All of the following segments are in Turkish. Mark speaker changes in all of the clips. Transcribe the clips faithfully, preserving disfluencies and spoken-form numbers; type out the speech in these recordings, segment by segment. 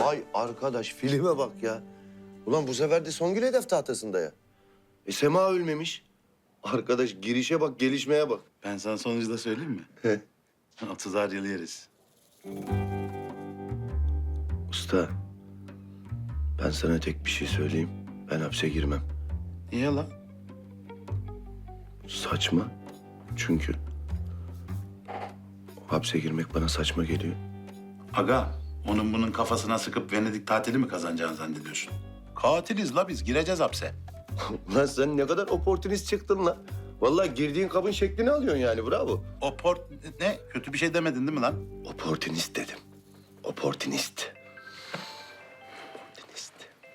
Speaker 1: Vay arkadaş filme bak ya. Ulan bu sefer de Songül hedef tahtasında ya. E Sema ölmemiş. Arkadaş girişe bak, gelişmeye bak.
Speaker 2: Ben sana sonucu da söyleyeyim mi?
Speaker 1: He.
Speaker 2: Otuzar yıl yeriz.
Speaker 1: Usta, ben sana tek bir şey söyleyeyim. Ben hapse girmem.
Speaker 2: Niye lan?
Speaker 1: Saçma. Çünkü hapse girmek bana saçma geliyor.
Speaker 2: Aga, onun bunun kafasına sıkıp Venedik tatili mi kazanacağını zannediyorsun? Katiliz la biz, gireceğiz hapse.
Speaker 1: Ulan sen ne kadar oportunist çıktın lan. Vallahi girdiğin kabın şeklini alıyorsun yani, bravo.
Speaker 2: O port ne? Kötü bir şey demedin değil mi lan?
Speaker 1: Oportunist dedim. Oportunist. Oportunist.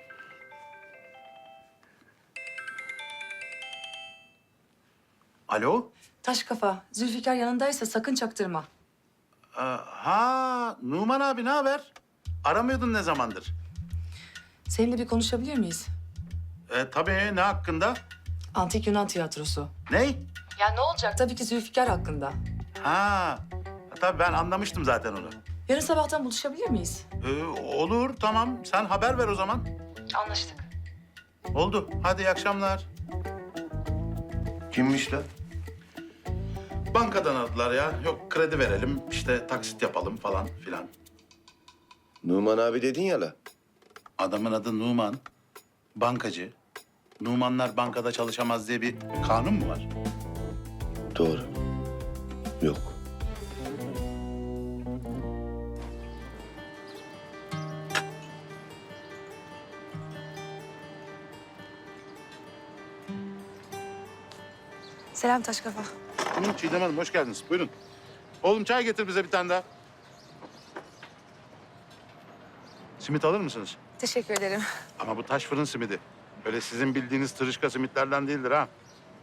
Speaker 2: Alo?
Speaker 3: Taş kafa, Zülfikar yanındaysa sakın çaktırma.
Speaker 2: Ee, ha, Numan abi ne haber? Aramıyordun ne zamandır?
Speaker 3: Seninle bir konuşabilir miyiz?
Speaker 2: Ee, tabii, ne hakkında?
Speaker 3: Antik Yunan tiyatrosu.
Speaker 2: Ney?
Speaker 3: Ya ne olacak? Tabii ki Zülfikar hakkında.
Speaker 2: Ha, tabii ben anlamıştım zaten onu.
Speaker 3: Yarın sabahtan buluşabilir miyiz?
Speaker 2: Ee, olur, tamam. Sen haber ver o zaman.
Speaker 3: Anlaştık.
Speaker 2: Oldu. Hadi iyi akşamlar.
Speaker 1: Kimmiş lan?
Speaker 2: Bankadan aradılar ya. Yok kredi verelim, işte taksit yapalım falan filan.
Speaker 1: Numan abi dedin ya la.
Speaker 2: Adamın adı Numan. Bankacı. Numanlar bankada çalışamaz diye bir kanun mu var?
Speaker 1: Doğru. Yok.
Speaker 3: Selam Taş kafa.
Speaker 2: Hı, Çiğdem Hanım hoş geldiniz. Buyurun. Oğlum çay getir bize bir tane daha. Simit alır mısınız?
Speaker 3: Teşekkür ederim.
Speaker 2: Ama bu taş fırın simidi. Öyle sizin bildiğiniz tırışka simitlerden değildir ha.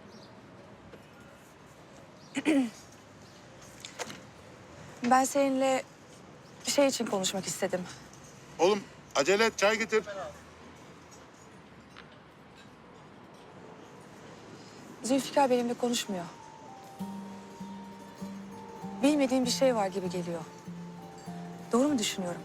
Speaker 3: Ben seninle bir şey için konuşmak istedim.
Speaker 2: Oğlum acele et çay getir.
Speaker 3: Zülfikar benimle konuşmuyor. Bilmediğim bir şey var gibi geliyor. Doğru mu düşünüyorum?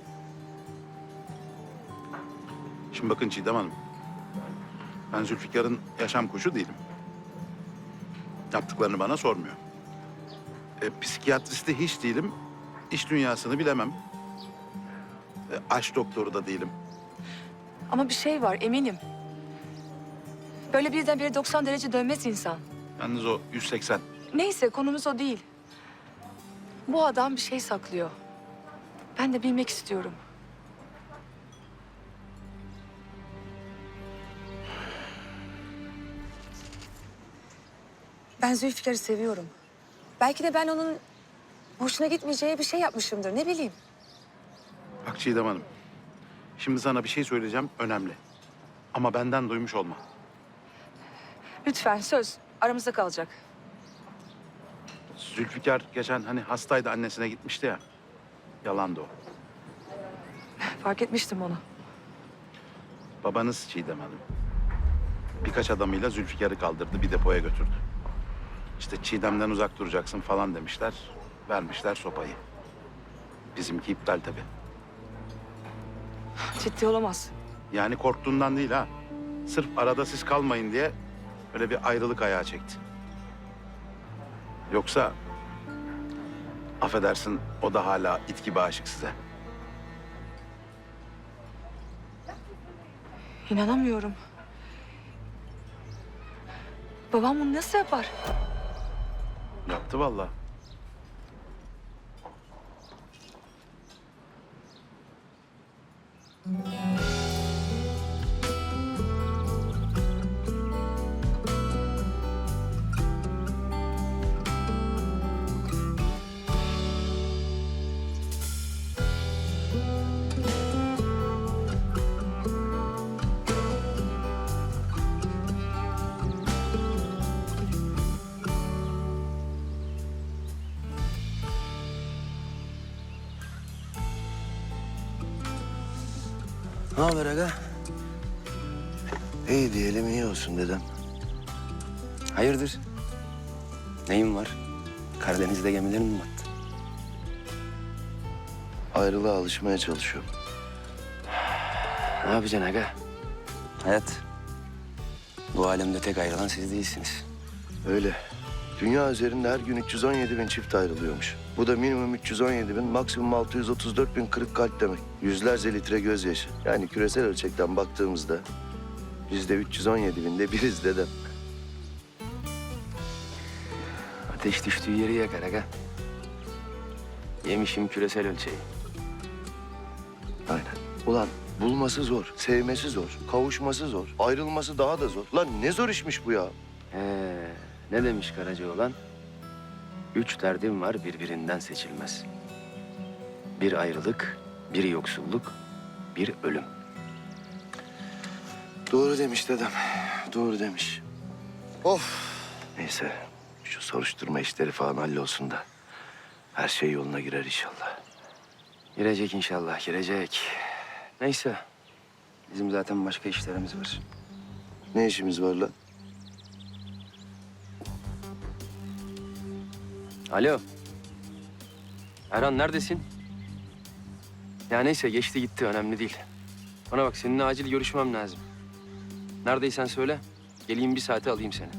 Speaker 2: Şimdi bakın Çiğdem Hanım. Ben Zülfikar'ın yaşam koçu değilim. Yaptıklarını bana sormuyor. E, psikiyatristi hiç değilim. İş dünyasını bilemem. E, aşk doktoru da değilim.
Speaker 3: Ama bir şey var eminim. Böyle birdenbire doksan derece dönmez insan.
Speaker 2: Yalnız o yüz seksen.
Speaker 3: Neyse konumuz o değil. Bu adam bir şey saklıyor. Ben de bilmek istiyorum. Ben Zülfikar'ı seviyorum. Belki de ben onun hoşuna gitmeyeceği bir şey yapmışımdır. Ne bileyim.
Speaker 2: Bak Çiğdem Hanım. Şimdi sana bir şey söyleyeceğim önemli. Ama benden duymuş olma.
Speaker 3: Lütfen söz aramızda kalacak.
Speaker 2: Zülfikar geçen hani hastaydı annesine gitmişti ya. Yalandı o.
Speaker 3: Fark etmiştim onu.
Speaker 2: Babanız Çiğdem Hanım. Birkaç adamıyla Zülfikar'ı kaldırdı, bir depoya götürdü. İşte Çiğdem'den uzak duracaksın falan demişler. Vermişler sopayı. Bizimki iptal tabii.
Speaker 3: Ciddi olamaz.
Speaker 2: Yani korktuğundan değil ha. Sırf arada siz kalmayın diye öyle bir ayrılık ayağı çekti. Yoksa affedersin o da hala it gibi aşık size.
Speaker 3: İnanamıyorum. Babam bunu nasıl yapar?
Speaker 2: Yaptı vallahi.
Speaker 1: Ne haber aga? İyi diyelim, iyi olsun dedem.
Speaker 4: Hayırdır? Neyin var? Karadeniz'de gemilerin mi battı?
Speaker 1: Ayrılığa alışmaya çalışıyorum.
Speaker 4: Ne yapacaksın aga? Hayat. Bu alemde tek ayrılan siz değilsiniz.
Speaker 1: Öyle. Dünya üzerinde her gün üç yüz on yedi bin çift ayrılıyormuş. Bu da minimum üç yüz on yedi bin, maksimum altı yüz otuz dört bin kırık kalp demek. Yüzlerce litre gözyaşı. Yani küresel ölçekten baktığımızda biz de üç yüz on yedi binde biriz dedem.
Speaker 4: Ateş düştüğü yeri yakar aga. Yemişim küresel ölçeği.
Speaker 1: Aynen. Ulan bulması zor, sevmesi zor, kavuşması zor, ayrılması daha da zor. Lan ne zor işmiş bu ya.
Speaker 4: Ee, ne demiş Karacaoğlan? Üç derdim var birbirinden seçilmez. Bir ayrılık, bir yoksulluk, bir ölüm.
Speaker 1: Doğru demiş dedem. Doğru demiş. Of. Neyse şu soruşturma işleri falan hallolsun da her şey yoluna girer inşallah.
Speaker 4: Girecek inşallah, girecek. Neyse, bizim zaten başka işlerimiz var.
Speaker 1: Ne işimiz var lan?
Speaker 4: Alo. Erhan neredesin? Ya neyse geçti gitti önemli değil. Bana bak seninle acil görüşmem lazım. Neredeysen söyle. Geleyim bir saate alayım seni.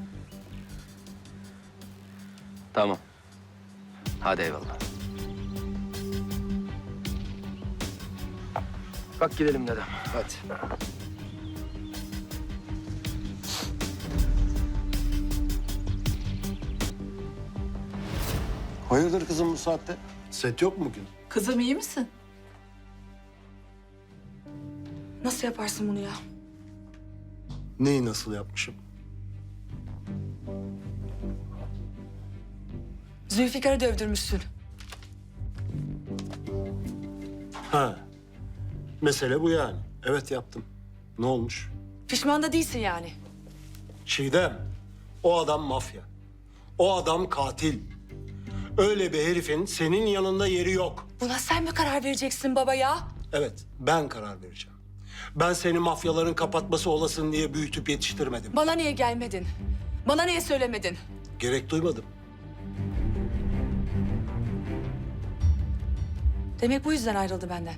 Speaker 4: Tamam. Hadi eyvallah. Kalk gidelim dedem. Hadi.
Speaker 5: Hayırdır kızım bu saatte? Set yok mu bugün?
Speaker 3: Kızım iyi misin? Nasıl yaparsın bunu ya?
Speaker 5: Neyi nasıl yapmışım?
Speaker 3: Zülfikar'ı dövdürmüşsün.
Speaker 5: Ha. Mesele bu yani. Evet yaptım. Ne olmuş?
Speaker 3: Pişman da değilsin yani.
Speaker 5: Çiğdem, o adam mafya. O adam katil. Öyle bir herifin senin yanında yeri yok.
Speaker 3: Buna sen mi karar vereceksin baba ya?
Speaker 5: Evet, ben karar vereceğim. Ben seni mafyaların kapatması olasın diye büyütüp yetiştirmedim.
Speaker 3: Bana niye gelmedin? Bana niye söylemedin?
Speaker 5: Gerek duymadım.
Speaker 3: Demek bu yüzden ayrıldı benden.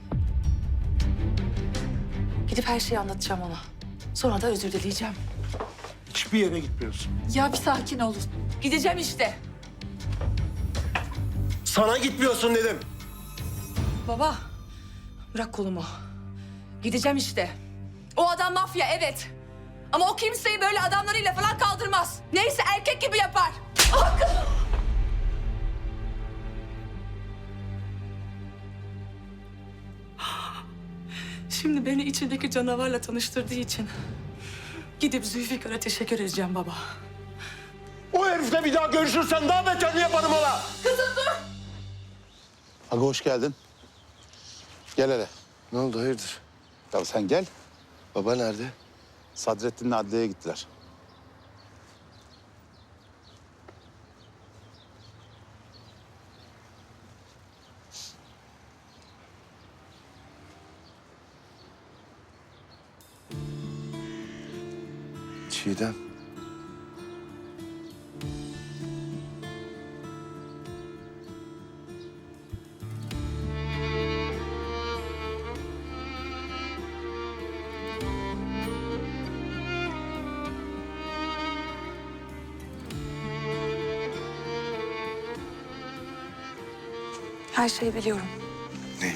Speaker 3: Gidip her şeyi anlatacağım ona. Sonra da özür dileyeceğim.
Speaker 5: Hiçbir yere gitmiyorsun.
Speaker 3: Ya bir sakin olun. Gideceğim işte.
Speaker 5: Sana gitmiyorsun dedim.
Speaker 3: Baba, bırak kolumu. Gideceğim işte. O adam mafya, evet. Ama o kimseyi böyle adamlarıyla falan kaldırmaz. Neyse erkek gibi yapar. Ah! Şimdi beni içindeki canavarla tanıştırdığı için gidip Zülfikar'a teşekkür edeceğim baba.
Speaker 5: O herifle bir daha görüşürsen daha beterini yaparım ona.
Speaker 2: Aga hoş geldin. Gel hele.
Speaker 1: Ne oldu hayırdır?
Speaker 2: Ya sen gel.
Speaker 1: Baba nerede?
Speaker 2: Sadrettin'le adliyeye gittiler.
Speaker 1: Çiğdem.
Speaker 3: Her şeyi biliyorum.
Speaker 1: Ne?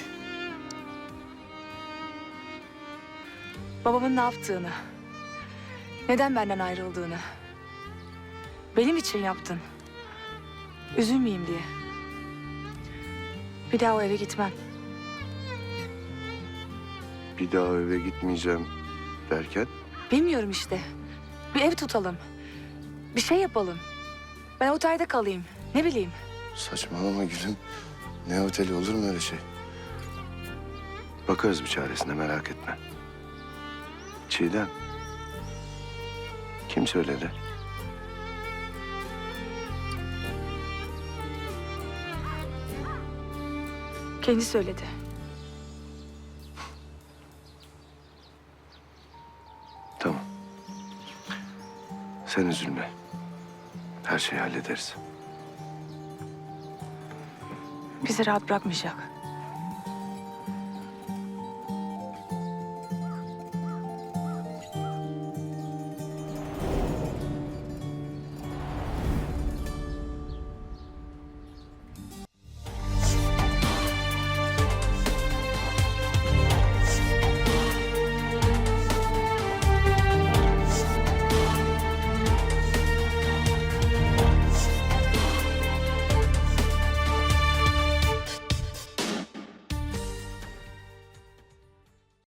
Speaker 3: Babamın ne yaptığını. Neden benden ayrıldığını. Benim için yaptın. Üzülmeyeyim diye. Bir daha o eve gitmem.
Speaker 1: Bir daha eve gitmeyeceğim derken?
Speaker 3: Bilmiyorum işte. Bir ev tutalım. Bir şey yapalım. Ben otelde kalayım. Ne bileyim.
Speaker 1: Saçmalama gülüm. Ne oteli olur mu öyle şey? Bakarız bir çaresine merak etme. Çiğdem. Kim söyledi?
Speaker 3: Kendi söyledi.
Speaker 1: Tamam. Sen üzülme. Her şeyi hallederiz.
Speaker 3: Bizi rahat bırakmayacak.